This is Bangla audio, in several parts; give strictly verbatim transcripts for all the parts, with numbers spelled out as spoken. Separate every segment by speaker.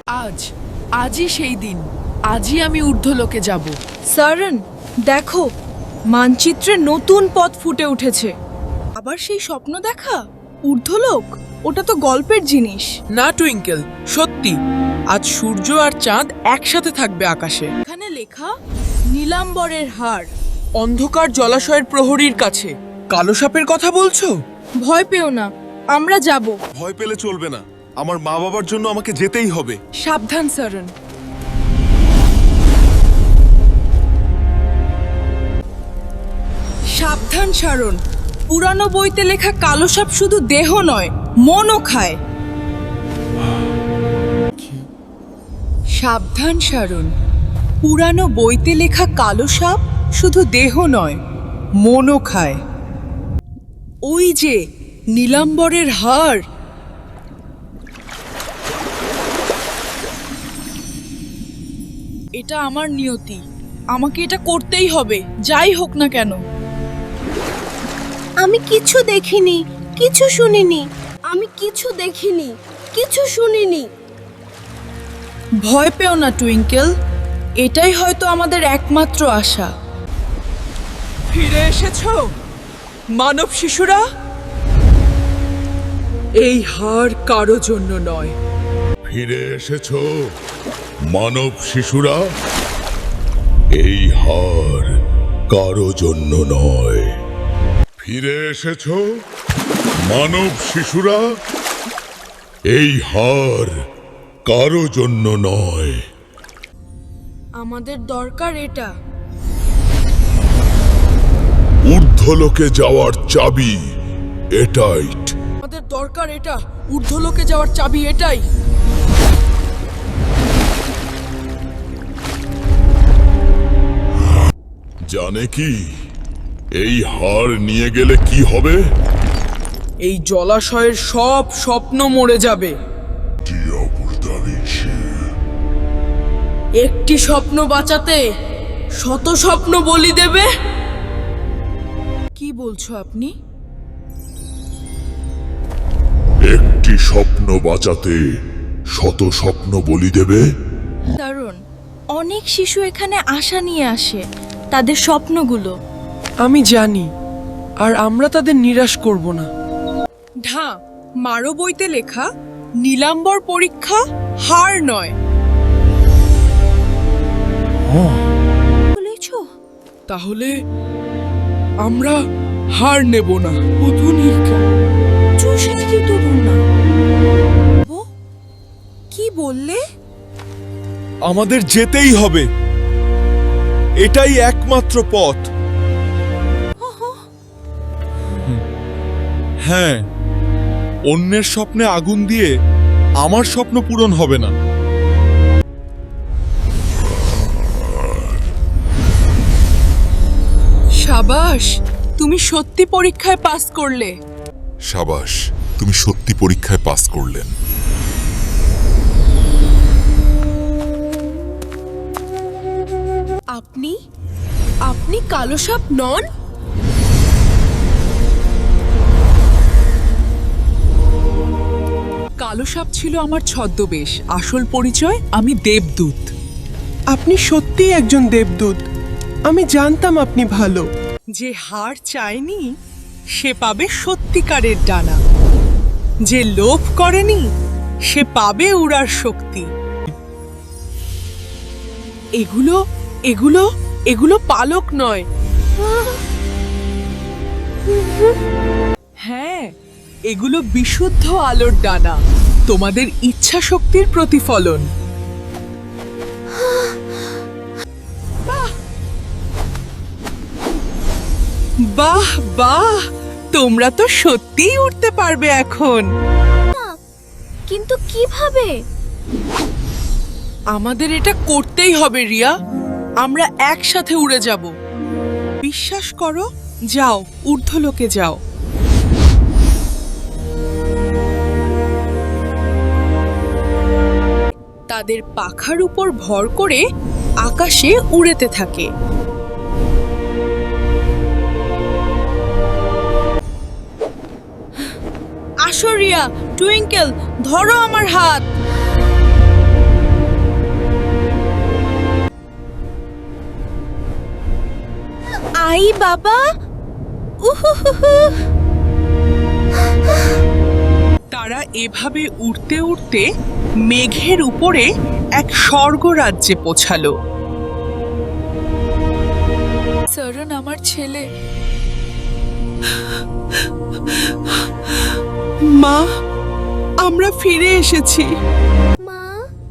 Speaker 1: আজ আজই সেই দিন। আজই আমি ঊর্ধ্বলোকে যাব।
Speaker 2: সারন, দেখো, মানচিত্রে নতুন পথ ফুটে উঠেছে। আবার সেই স্বপ্ন দেখা ঊর্ধ্বলোক, ওটা তো গল্পের জিনিস।
Speaker 1: না টুইঙ্কেল, সত্যি আজ সূর্য আর চাঁদ একসাথে থাকবে আকাশে।
Speaker 2: এখানে লেখা নীলাম্বরের হার।
Speaker 1: অন্ধকার জলাশয়ের প্রহরীর কাছে। কালো সাপের কথা বলছো?
Speaker 2: ভয় পেও না, আমরা যাব।
Speaker 3: ভয় পেলে চলবে না, আমার মা বাবার জন্য আমাকে যেতেই হবে।
Speaker 1: সাবধান সারন।
Speaker 2: সাবধান সারণ, পুরানো বইতে লেখা কালো সাপ শুধু দেহ নয়, মনও খায়। সাবধান সারণ, পুরানো বইতে লেখা কালো সাপ শুধু দেহ নয়, মনও খায়। ওই যে নীলাম্বরের হার। এটা আমার নিয়তি, আমাকে এটা করতেই হবে, যাই হোক না কেন।
Speaker 4: আমি কিছু দেখিনি, কিছু শুনিনি। আমি কিছু দেখিনি, কিছু শুনিনি।
Speaker 2: ভয় পেও না টুইঙ্কেল, এটাই হয়তো আমাদের একমাত্র আশা।
Speaker 1: ফিরে এসেছো মানব শিশুরা? এই হার কারো জন্য নয়।
Speaker 5: ফিরে এসেছো মানব শিশুরা? এই হার কারো জন্য নয়। ফিরে এসেছো মানব শিশুরা? এই হার কারো জন্য নয়।
Speaker 2: আমাদের দরকার এটা।
Speaker 5: ঊর্ধ্বলোকে যাওয়ার চাবি এটাই।
Speaker 2: আমাদের দরকার এটা, ঊর্ধ্বলোকে যাওয়ার চাবি এটাই।
Speaker 5: জানে কি এই হার নিয়ে গেলে কি হবে?
Speaker 1: এই জলাশয়ের সব স্বপ্ন মরে যাবে।
Speaker 2: একটি স্বপ্ন বাঁচাতে শত স্বপ্ন বলি দেবে। কি বলছো আপনি?
Speaker 5: একটি স্বপ্ন বাঁচাতে শত স্বপ্ন বলি দেবে?
Speaker 2: দারুণ, অনেক শিশু এখানে আশা নিয়ে আসে, তাদের স্বপ্নগুলো।
Speaker 1: আমি জানি, আর আমরা তাদের নিরাশ করব না।
Speaker 2: ঢা মারো বইতে লেখা নীলাম্বর পরীক্ষা হার নয়। বলেছো?
Speaker 1: তাহলে আমরা হার নেব না। অধুনিকা
Speaker 2: চৌষট্টি তরুণ না। ও, কি বললে?
Speaker 3: আমাদের যেতেই হবে, এটাই একমাত্র পথ। হ্যাঁ, অন্যের স্বপ্নে আগুন দিয়ে আমার স্বপ্ন পূরণ হবে না।
Speaker 2: সাবাস, তুমি সত্যি পরীক্ষায় পাস করলে।
Speaker 5: সাবাস, তুমি সত্যি পরীক্ষায় পাস করলেন।
Speaker 2: আপনি আপনি কালো সাপ নন?
Speaker 1: কালো সাপ ছিল আমার ছদ্মবেশ, আসল পরিচয় আমি দেবদূত।
Speaker 6: আপনি সত্যিই একজন দেবদূত। আমি জানতাম আপনি ভালো।
Speaker 2: যে হার চায়নি সে পাবে সত্যিকারের ডানা, যে লোভ করেনি সে পাবে উড়ার শক্তি। এগুলো এগুলো এগুলো পালক নয়। হ্যাঁ, এগুলো বিশুদ্ধ আলোর ডানা, তোমাদের ইচ্ছা শক্তির প্রতিফলন। বাহ বাহ, তোমরা তো সত্যিই উঠতে পারবে এখন।
Speaker 4: কিন্তু কিভাবে?
Speaker 2: আমাদের এটা করতেই হবে রিয়া, আমরা একসাথে উড়ে যাব। বিশ্বাস করো, যাও, ঊর্ধ্বলোকে যাও। তাদের পাখার উপর ভর করে আকাশে উড়েতে থাকে। আসো রিয়া, টুইঙ্কেল, ধরো আমার হাত।
Speaker 4: আই বাবা, উহুহুহু।
Speaker 2: তারা এভাবে উড়তে উড়তে মেঘের উপরে এক স্বর্গরাজ্যে পৌঁছালো।
Speaker 1: সরণ আমার ছেলে।
Speaker 2: মা, আমরা ফিরে এসেছি।
Speaker 4: মা,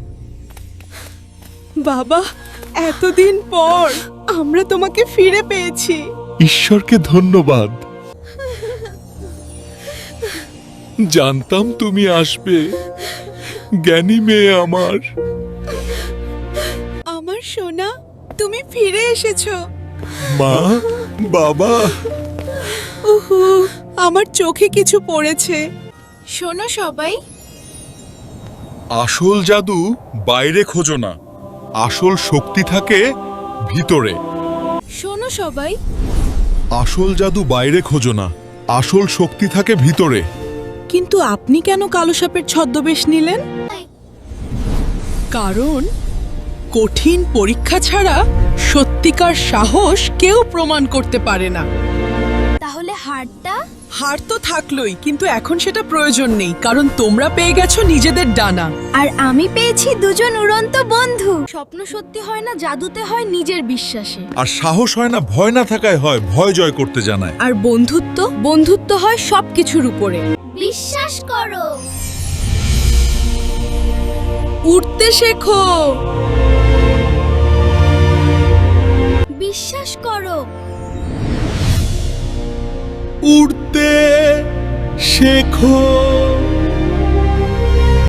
Speaker 2: বাবা, এতদিন পর আমরা তোমাকে ফিরে পেয়েছি।
Speaker 3: ঈশ্বরকে ধন্যবাদ। জানতাম তুমি আসবে, জ্ঞানী মেয়ে আমার।
Speaker 2: আমার সোনা, তুমি ফিরে এসেছো।
Speaker 3: মা, বাবা,
Speaker 2: উহু, আমার চোখে কিছু পড়েছে।
Speaker 4: শোনো সবাই,
Speaker 3: আসল জাদু বাইরে খোঁজো না, আসল শক্তি থাকে ভিতরে।
Speaker 4: শোনো সবাই,
Speaker 3: আসল জাদু বাইরে খোঁজো না, আসল শক্তি থাকে ভিতরে।
Speaker 2: কিন্তু আপনি কেন কালো সাপের ছদ্মবেশ নিলেন? কারণ কঠিন পরীক্ষা ছাড়া সত্যিকার সাহস কেউ প্রমাণ করতে পারে না।
Speaker 4: তাহলে হারটা?
Speaker 2: হার তো থাকলোই, কিন্তু এখন সেটা প্রয়োজন নেই, কারণ তোমরা পেয়ে গেছো নিজেদের ডানা।
Speaker 4: আর আমি পেয়েছি দুজন উড়ন্ত বন্ধু। স্বপ্ন সত্যি হয় না জাদুতে, হয় নিজের বিশ্বাসে।
Speaker 3: আর সাহস হয় না ভয় না থাকায় হয়, ভয় জয় করতে জানায়।
Speaker 2: আর বন্ধুত্ব বন্ধুত্ব হয় সবকিছুর উপরে।
Speaker 4: বিশ্বাস করো।
Speaker 2: উঠতে শেখো।
Speaker 4: বিশ্বাস করো।
Speaker 3: উড়তে শেখো।